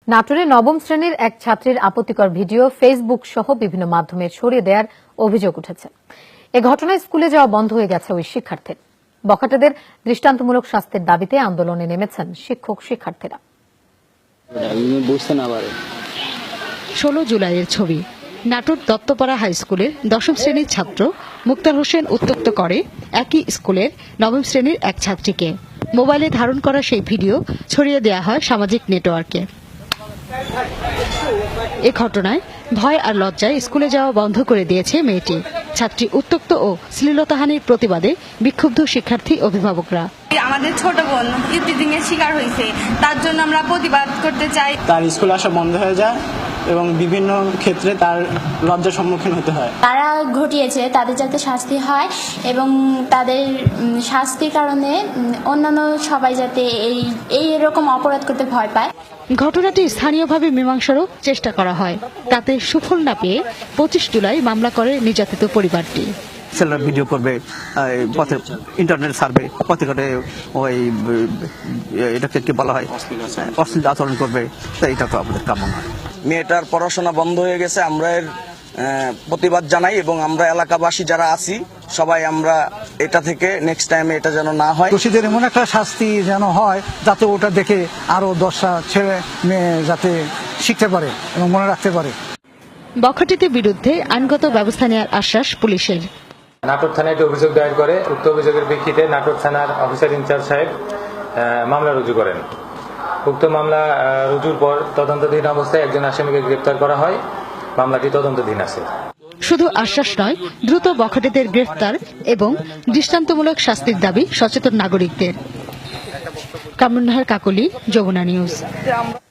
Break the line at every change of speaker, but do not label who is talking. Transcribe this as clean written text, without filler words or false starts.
নাটোরে নবম শ্রেণীর এক ছাত্রীর আপত্তিকর ভিডিও ফেসবুক সহ বিভিন্ন মাধ্যমে ছড়িয়ে দেওয়ার অভিযোগ উঠেছে। এ ঘটনায় স্কুলে যাওয়া বন্ধ হয়ে গেছে ওই শিক্ষার্থীর। বখাটেদের দৃষ্টান্তমূলক শাস্তির দাবিতে আন্দোলনে নেমেছেন শিক্ষক শিক্ষার্থীরা।
16 জুলাইয়ের ছবি। নাটোর দত্তপাড়া হাই স্কুলের দশম শ্রেণীর ছাত্র মুক্তার হোসেন উত্ত্যক্ত করে একই স্কুলের নবম শ্রেণীর এক ছাত্রীকে। মোবাইলে ধারণ করা সেই ভিডিও ছড়িয়ে দেওয়া হয় সামাজিক নেটওয়ার্কে। এ ঘটনায় ভয় আর লজ্জায় স্কুলে যাওয়া বন্ধ করে দিয়েছে মেয়েটি। ছাত্রী উত্ত্যক্ত ও শ্লীলতাহানির প্রতিবাদে বিক্ষুব্ধ শিক্ষার্থী অভিভাবকরা।
আমাদের ছোট বোন ইভটিজিং এর শিকার হয়েছে, তার জন্য আমরা প্রতিবাদ করতে চাই।
তার স্কুল আসা বন্ধ হয়ে যায় এবং বিভিন্ন ক্ষেত্রে তার লজ্জার সম্মুখীন হতে হয়।
তারা ঘটিয়েছে, তাদের যাতে শাস্তি হয় এবং তাদের শাস্তির কারণে অন্যান্য সবাই যাতে এই এরকম অপরাধ করতে ভয় পায়।
ঘটনাটি স্থানীয়ভাবে মীমাংসারও চেষ্টা করা হয়। তাতে সুফল না পেয়ে 25 জুলাই মামলা করে নির্যাতিত পরিবারটি।
ছেলেরা ভিডিও করবে, পথে ইন্টারনেট সার্ভে, পথে ঘাটে ওই এটাকে কি বলা হয় অশ্লীল আচরণ করবে, তাই এটা তো আমাদের কাম্য নয়।
মেয়েটার পড়াশোনা বন্ধ হয়ে গেছে, আমরা এর প্রতিবাদ জানাই এবং আমরা এলাকাবাসী যারা আছি সবাই আমরা এটা থেকে নেক্সট টাইমে এটা যেন না হয়।
দোষীদের এমন একটা শাস্তি যেন হয় যাতে ওটা দেখে আরো 10টা ছেলে মেয়ে যাতে শিখতে পারে এবং মনে রাখতে পারে।
বখাটেদের বিরুদ্ধে আইনগত ব্যবস্থা নেওয়ার আশ্বাস পুলিশের।
নাটোর থানায় একটি অভিযোগ দায়ের করে উক্ত অভিযোগের প্রেক্ষিতে নাটোর থানার অফিসার ইনচার্জ সাহেব মামলা রুজু করেন। উক্ত মামলা রুজুর পর তদন্তাধীন অবস্থায় একজন আসামিকে গ্রেপ্তার করা হয়। মামলাটি তদন্তাধীন আছে।
শুধু আশ্বাস নয়, দ্রুত বখাটেদের গ্রেফতার এবং দৃষ্টান্তমূলক শাস্তির দাবি সচেতন নাগরিকদের। কামরুন নাহার কাকলি, যমুনা নিউজ।